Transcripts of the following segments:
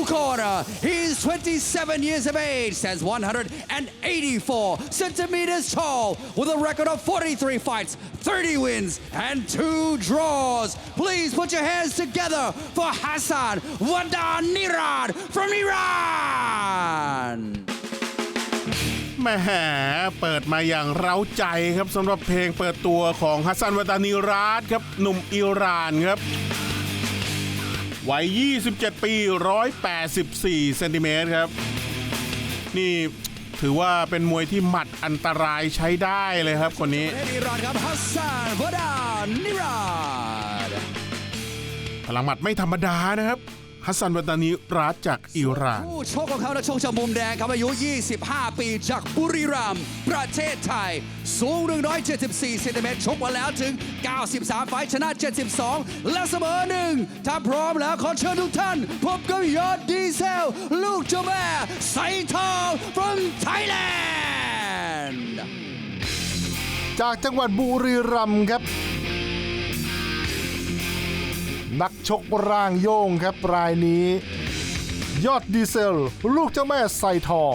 corner, he's 27 years of age, stands 184 centimeters tall, with a record of 43 fights, 30 wins, and 2 draws. Please put your hands together for Hassan Wadanirad from Iran. แหมเปิดมาอย่างเร้าใจครับสำหรับเพลงเปิดตัวของฮัสซัน วาตานีราดครับหนุ่มอิหร่านครับวัย 27 ปี 184 เซนติเมตรครับนี่ถือว่าเป็นมวยที่หมัดอันตรายใช้ได้เลยครับคนนี้อิหร่านครับฮัสซัน วาดานิราดพลังหมัดไม่ธรรมดานะครับฮัสซัน วาตานีราดจากอิหร่านผู้ชกของเขานักชกจากมุมแดงครับอายุ 25 ปีจากบุรีรัมย์ประเทศไทยสูง 174 เซนติเมตรชกมาแล้วถึง 93 ไฟท์ชนะ 72 และเสมอ1ถ้าพร้อมแล้วขอเชิญทุกท่านพบกับยอดดีเซลลูกเจ้าแม่ไซทอง from Thailand จากจังหวัดบุรีรัมย์ครับนักชกร่างโย่งครับรายนี้ยอดดีเซลลูกเจ้าแม่ไซทอง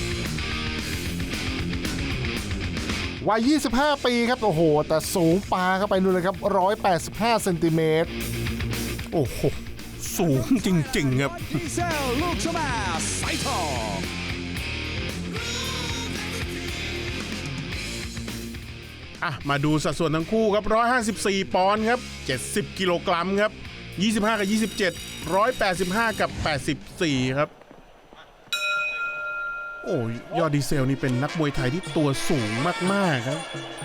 วัย 25 ปีครับโอ้โหแต่สูงปาเข้าไปนู่นเลยครับ 185 เซนติเมตรโอ้โหสูงจริงๆครับดีเซลลูกเจ้าแม่ไซทองมาดูสัดส่วนทั้งคู่ครับ154 ปอนด์ครับ70 กิโลกรัมครับ25 กับ 27 185 กับ 84 ครับโอ้ยอดดีเซลนี่เป็นนักมวยไทยที่ตัวสูงมากๆครับ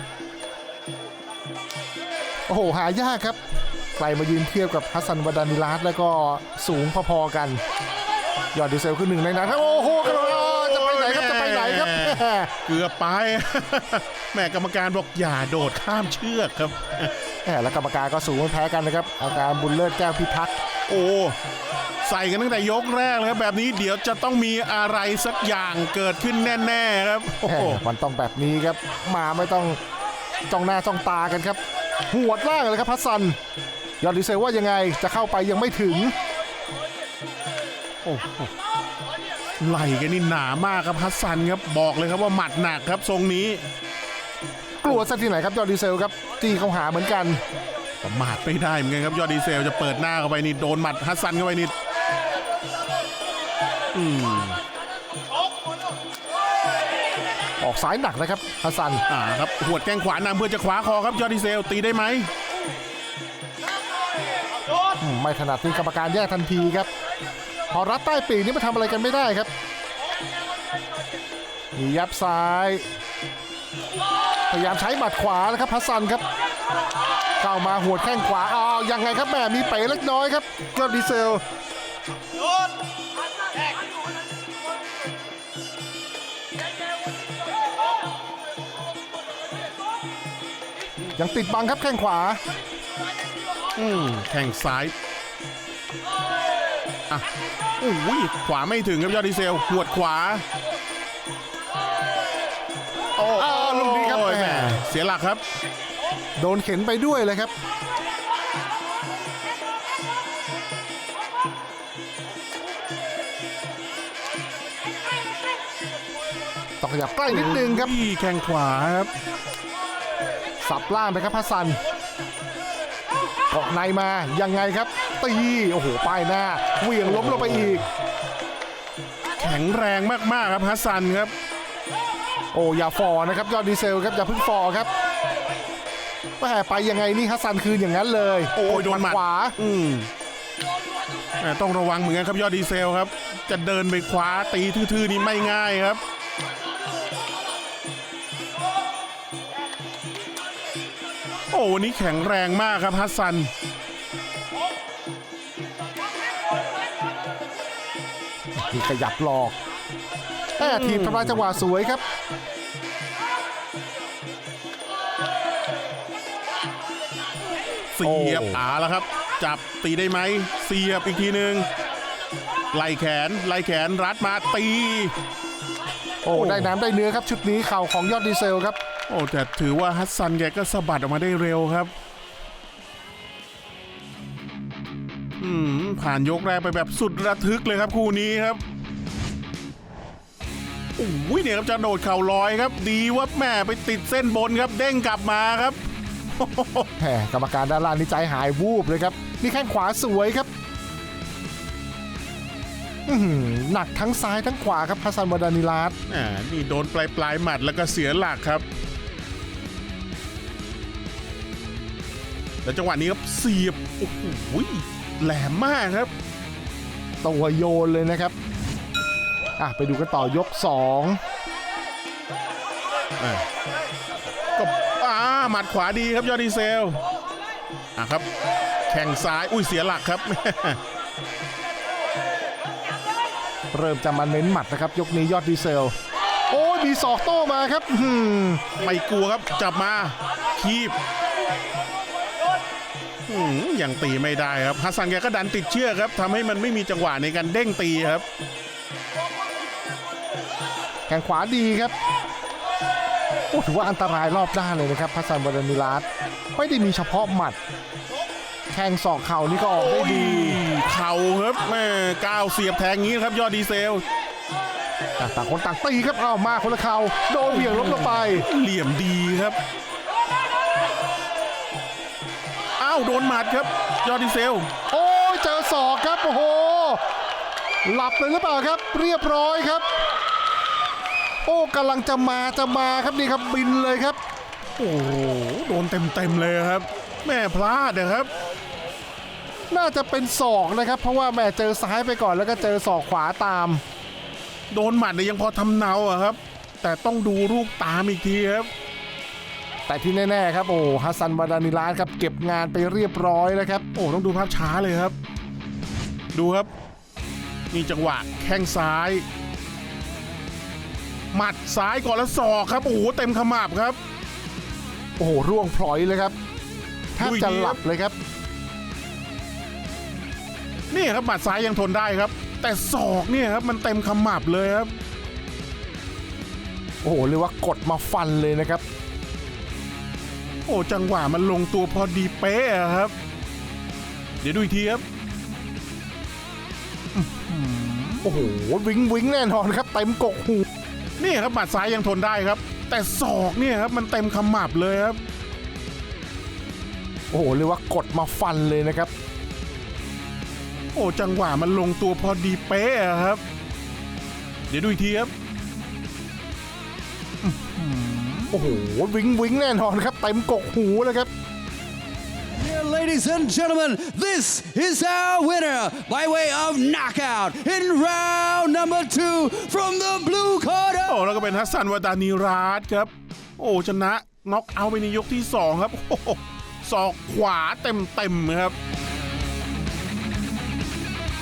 โอ้โหหายากครับใครมายืนเทียบกับฮัสซัน วาดานิราดแล้วก็สูงพอๆกันยอดดีเซลคือหนึ่งในนั้นโอ้โหจะไปไหนครับจะไปไหนครับเกือบไปแม่กรรมการบอกอย่าโดดข้ามเชือกครับและกรรมการก็สูงไม่แพ้กันนะครับอาการบุญเลิศแก้วพิทักษ์โอ้ใส่กันตั้งแต่ยกแรกเลยครับแบบนี้เดี๋ยวจะต้องมีอะไรสักอย่างเกิดขึ้นแน่ๆครับโอ้มันต้องแบบนี้ครับมาไม่ต้องจ้องหน้าจ้องตากันครับหัวดล่างเลยครับฮัสซันยอดดีเซลว่ายังไงจะเข้าไปยังไม่ถึงโอ้ไหล่กันนี่หนามากครับฮัสซันครับบอกเลยครับว่าหมัดหนักครับทรงนี้กลัวซะที่ไหนครับยอดดีเซลครับตีเข้าหาเหมือนกันประมาทไม่ได้เหมือนกันครับยอดดีเซลจะเปิดหน้าเข้าไปนี่โดนหมัดฮัสซันเข้าไปนี่ออกซ้ายหนักนะครับฮัสซันครับหัวดแข้งขวานำเพื่อจะขวาคอครับยอดดีเซลตีได้ไหมไม่ถนัดที่กรรมการแยกทันทีครับพอรัดใต้ปีกนี่มาทำอะไรกันไม่ได้ครับมียับซ้ายพยายามใช้หมัดขวานะครับฮัสซันครับเข้ามาหัวแข้งขวายังไงครับแม่มีเป๋เล็กน้อยครับยอดดีเซลยังติดบังครับแข้งขวาแข้งซ้ายอุ้ยขวาไม่ถึงครับยอดดีเซลหัวดขวาลูกนี้ครับแหมเสียหลักครับโดนเข็นไปด้วยเลยครับต้องขยับใกล้นิดนึงครับแข้งขวาครับสับล่างไปครับฮัสซันเกาะในมายังไงครับตีโอ้โหป้ายหน้าเหวี่ยงล้มลงไปอีกแข็งแรงมากๆครับฮัสซันครับโอ้อย่าฟอนะครับยอดดีเซลครับอย่าพึ่งฟอครับแม่ไปยังไงนี่ฮัสซันคืนอย่างนั้นเลยโอ้ยโดนหมัดขวาต้องระวังเหมือนกันครับยอดดีเซลครับจะเดินไปขวาตีทื่อๆนี่ไม่ง่ายครับโอ้วันนี้แข็งแรงมากครับฮัสซันมีขยับหลอกทีมทำลายจังหวะสวยครับเสียบแล้วครับจับตีได้ไหมเสียบอีกทีนึงไล่แขนรัดมาตีได้น้ำได้เนื้อครับชุดนี้เข่าของยอดดีเซลครับแต่ถือว่าฮัสซันแกก็สะบัดออกมาได้เร็วครับผ่านยกแรกไปแบบสุดระทึกเลยครับคู่นี้ครับโอ้ยเนี่ยครับจะโดดเข่าลอยครับดีว่าแม่ไปติดเส้นบนครับเด้งกลับมาครับแหมกรรมการด้านล่างนี่ใจหายวูบเลยครับนี่แข้งขวาสวยครับหนักทั้งซ้ายทั้งขวาครับฮัสซัน วาดานิลาสนี่โดนปลายหมัดแล้วก็เสียหลักครับแล้วจังหวะนี้ครับเสียบโอ้โหแหลมมากครับตัวโยนเลยนะครับไปดูกันต่อยก2 ก็หมัดขวาดีครับยอดดีเซลครับแข้งซ้ายเสียหลักครับเริ่มจะมาเน้นหมัดนะครับยกนี้ยอดดีเซลโอ้ยมีศอกโต้มาครับไม่กลัวครับจับมาคีบยังตีไม่ได้ครับฮัสซันแกก็ดันติดเชือกครับทำให้มันไม่มีจังหวะในการเด้งตีครับแข้งขวาดีครับถือว่าอันตรายรอบด้านเลยนะครับฮัสซัน วาดานิลาสไม่ได้มีเฉพาะหมัดแข้งศอกเข่านี่ก็ออกได้ดีเข่าครับแม่ก้าวเสียบแทงงี้ครับยอดดีเซลต่างคนต่างตีครับมาคนละเข่าโดนเหวี่ยงล้มลงไปเหลี่ยมดีครับโดนหมัดครับยอดดีเซลโอ้ยเจอศอกครับโอ้โหหลับเลยหรือเปล่าครับเรียบร้อยครับโอ้กำลังจะมาครับนี่ครับบินเลยครับโอ้โดนเต็มเลยครับแม่พลาดนะครับน่าจะเป็นศอกนะครับเพราะว่าแม่เจอซ้ายไปก่อนแล้วก็เจอศอกขวาตามโดนหมัดเนี่ยยังพอทำเนาครับแต่ต้องดูลูกตามอีกทีครับแต่ที่แน่ๆครับฮัสซัน วาดานิลาสครับเก็บงานไปเรียบร้อยแล้วครับต้องดูภาพช้าเลยครับดูครับมีจังหวะแข้งซ้ายหมัดซ้ายก่อนแล้วศอกครับเต็มขมับครับร่วงพลอยเลยครับแทบจะหลับเลยครับนี่ครับหมัดซ้ายยังทนได้ครับแต่ศอกเนี่ยครับมันเต็มขมับเลยครับเรียกว่ากดมาฟันเลยนะครับจังหวะมันลงตัวพอดีเป๊ะครับเดี๋ยวดูอีกทีครับวิงแน่นอนครับเต็มกกหูนี่ครับหมัดซ้ายยังทนได้ครับแต่ศอกเนี่ยครับมันเต็มขมับเลยครับเรียกว่ากดมาฟันเลยนะครับจังหวะมันลงตัวพอดีเป๊ะครับเดี๋ยวดูอีกทีครับวิงแน่นอนครับเต็มกกหูเลยครับ Yeah, ladies and gentlemen, this is our winner by way of knockout in round number 2 from the blue corner. แล้วก็เป็นฮัสซัน วาดานิลาสครับชนะน็อกเอาท์ไปในยกที่2ครับศอกขวาเต็มครับ